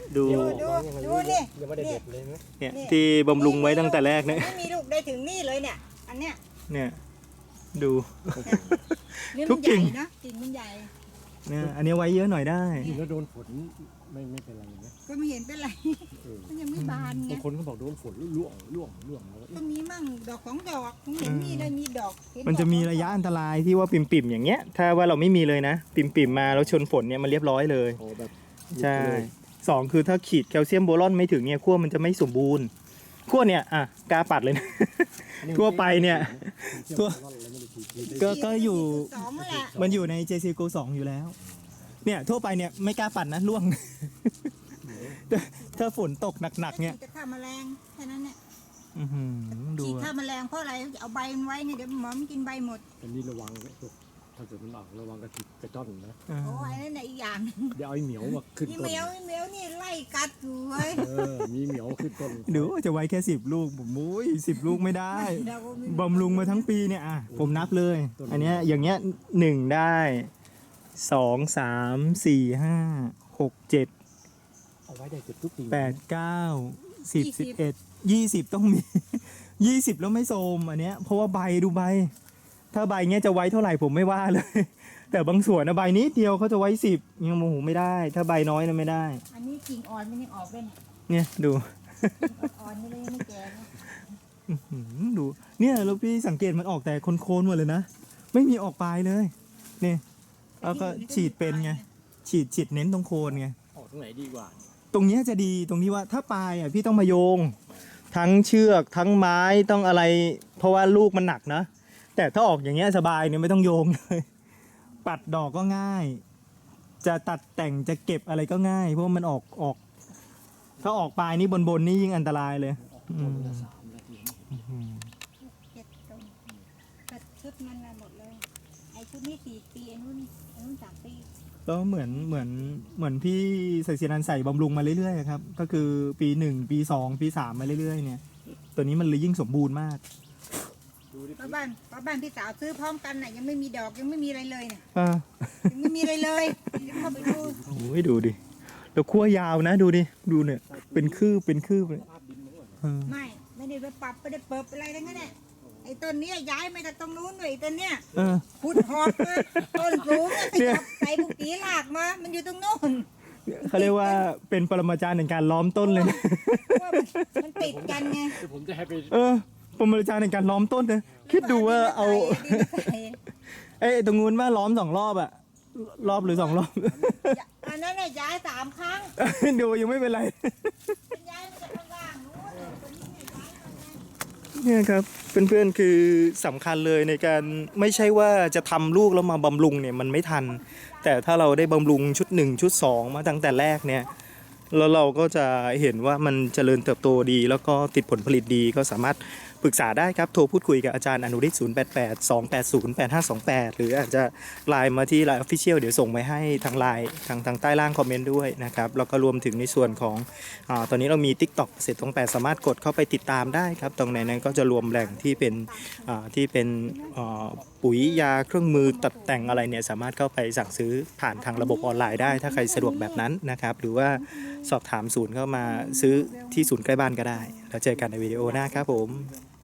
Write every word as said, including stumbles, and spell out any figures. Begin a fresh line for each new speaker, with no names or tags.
ดู
ดูดูดูนี่
ยังไม่ได้เด็ดเลยไหม
เนี่ยที่บำรุงไว้ตั้งแต่แรกเนี่ย
ไม่มีลูกได้ถึงนี่เลยเนี่ยอันเนี้ย
เนี่ยดู
นี่
ทุ
มัน
ก
ให
กิ่
ญ่
ง
นะกิ่งมันใหญ่
เนี่ยอันนี้ไว้เยอะหน่อยได้
กินแล้วโดนฝนไม่ไม่เป็นไรไหม
ก็ไม่เห็นเป็นไร
เออ
มันยังไม่บานไง
บางคนก็บอกโดนฝนล่วงล่วงล่วงแล้ว
ก็มีมั่งดอกของดอกผมเห็นมีได้มีดอกเห็ดอก
มันจะมีระยะอันตรายที่ว่าปิ่มๆอย่างเงี้ย ถ้าว่าเราไม่มีเลยนะ ปิ่มๆมาแล้วชนฝนเนี่ยมันเรียบร้อยเลย
โอ้แบบ
ใช่สองคือถ้าขีดแคลเซียมโบรอนไม่ถึงเนี่ยขั้วมันจะไม่สมบูรณ์ขั้วเนี่ยอ่ะกาปัดเลยนะ ทั่วไปเนี่ยทั่ว ก็ก็อยู่
สองนั่นแหละ
มันอยู่ใน เจ ซี Go สองอยู่แล้ว เนี่ยทั่วไปเนี่ยไม่กล้าปัดนะร่วง ถ้าถ้าฝนตกหนักๆเนี่ย
จะฆ่าแมลงแค่นั้นเนี่ย
อื้อหือดู
ฉีด
อะ
ฆ่าแมลงเพราะอะไรเอาใบมันไว้เนี่ยเดี๋ยวหมอมันกินใบหมด
อันนี้ระวังนะพวกถ้าเกิดมันออกระวังกระติกกระจ้อนนะ
อ่า
โอ้ยนั่นน่ะอีกอย่าง
เดี๋ยวเอาไอ้เหมียวมาขึ้น
นี่
ต้น
เหมียวนี่เหมียวนี่ไล่กัดอยู่เว้ย
เออมีเหมียวขึ้นต้น
ดูจะไว้แค่สิบลูกผมมุ้ยสิบลูกไม่ได้
เราก็ไม่
บำรุงมาทั้งปีเนี่ยอ่ะผมนับเลย อันเนี้ยอย่างเงี้ยหนึ่งได้สองสามสี่ห้าหกเจ็ด
เอาไว้ได้เกือบทุกปี
แปดเก้าสิบสิบเอ็ดยี่สิบต้องมี ยี่สิบแล้วไม่โทรมอันเนี้ยเพราะว่าใบดูใบ ถ้าใบเงี้ยจะไว้เท่าไหร่ผมไม่ว่าเลย แต่บางส่วนนะใบนี้เดียวเขาจะไว้สิบยังโมโหไม่ได้ ถ้าใบน้อยนะไม่ได้
อันนี้กิ่งอ่อนมันยังออกเลยเนี่ย
เนี่ยดู
กิ่งอ่อนๆนี่เลยยังไม่แก่นะ
อื้อหือดูเนี่ยแล้วพี่สังเกตมันออกแต่โคนๆหมดเลยนะ ไม่มีออกปลายเลยนี่แล้วก็ฉีดเป็นไงฉีดฉีดเน้นตรงโคนไง
ออกตรงไหนดีกว่า
ตรงเนี้ยจะดีตรงที่ว่าถ้าปลายอ่ะพี่ต้องมาโยง ทั้งเชือกทั้งไม้ต้องอะไร เพราะว่าลูกมันหนักนะ แต่ถ้าออกอย่างเงี้ยสบายเนี่ยไม่ต้องโยงเลย ปัดดอกก็ง่าย จะตัดแต่งจะเก็บอะไรก็ง่าย เพราะว่ามันออกออก ถ้าออกปลายนี่บนบนๆนี่ยิ่งอันตรายเลย
ออกต้นละสามนาที
เจ็ดต้นแต่ชุดมันน่ะหมดเลยไอ้ชุดนี้สี่ปีไอ้นู้นไอ้นู้นสามปี
แล้วเหมือนเหมือนเหมือนพี่ใส่เสียนันใส่บำรุงมาเรื่อยๆครับ ก็คือปีหนึ่งปีสองปีสามมาเรื่อยๆเนี่ย ตัวนี้มันเลยยิ่งสมบูรณ์มาก
ดูดิ
ป้าบ้านป้าบ้านพี่สาวซื้อพร้อมกันน่ะยังไม่มีดอกยังไม่มีอะไรเลยเนี่ย
อ่า
ยังไม่มีอะไรเลยเดี๋ยวเข้าไปดู
โอ้ยดูดิแล้วขั้วยาวนะดูดิดูเนี่ย เป็นคืบเป็นคืบเลย
ภาพดินมันก็
เออ
ไม่ไม่ได้ไปปรับไม่ได้เปิดอะไรทั้งนั้นแหละไอ้ต้นเนี้ยย้ายมาจากตรงนู้นด้วยไอ้ต้นเนี้ย
เออ
ขุดหอบมาต้นสูงเนี่ยขยับใส่บุกปีหลากมามันอยู่ตรงโน้น
เขาเรียกว่าเป็นปรมาจารย์ในการล้อมต้นเลยนะ
เพราะว่ามันมันติดกันไง
เดี๋ยวผมจะให้ไป
เออปรมาจารย์ในการล้อมต้นนะคิดดูว่าเอา
ดินใส่
เอ้ยตรงนู้นว่าล้อมสองรอบอะรอบหรือสองรอบ
อันนั้นน่ะย้ายสามครั้ง
ดูยังไม่เป็นไร
มันย้ายมาจากข้างล่างนู้นตัวนี้เนี่ยย้ายมาไง
เนี่ยครับเพื่อนๆคือสำคัญเลยในการไม่ใช่ว่าจะทำลูกแล้วมาบำรุงเนี่ยมันไม่ทัน แต่ถ้าเราได้บำรุงชุดหนึ่งชุดสองมาตั้งแต่แรกเนี่ยแล้วเราก็จะเห็นว่ามันเจริญเติบโตดี แล้วก็ติดผลผลิตดีก็สามารถปรึกษาได้ครับโทรพูดคุยกับอาจารย์อนุริศศูนย์ แปด แปด สอง แปด ศูนย์ แปด ห้า สอง แปด หรืออาจจะไลน์มาที่ไลน์ Official เดี๋ยวส่งไปให้ทางไลน์ทางทางใต้ล่างคอมเมนต์ด้วยนะครับแล้วก็รวมถึงในส่วนของอาตอนนี้เรามี TikTok เสร็จตรงแปดสามารถกดเข้าไปติดตามได้ครับตรงไหนนั้นก็จะรวมแหล่งที่เป็นอ่าที่เป็นอ่าปุ๋ยยาเครื่องมือตัดแต่งอะไรเนี่ยสามารถเข้าไปสั่งซื้อผ่านทางระบบออนไลน์ได้ถ้าใครสะดวกแบบนั้นนะครับหรือว่าสอบถามศูนย์เข้ามาซื้อที่ศูนย์ใกล้บ้านก็ได้แล้วเจอกันในวิดีโอหน้าครับผม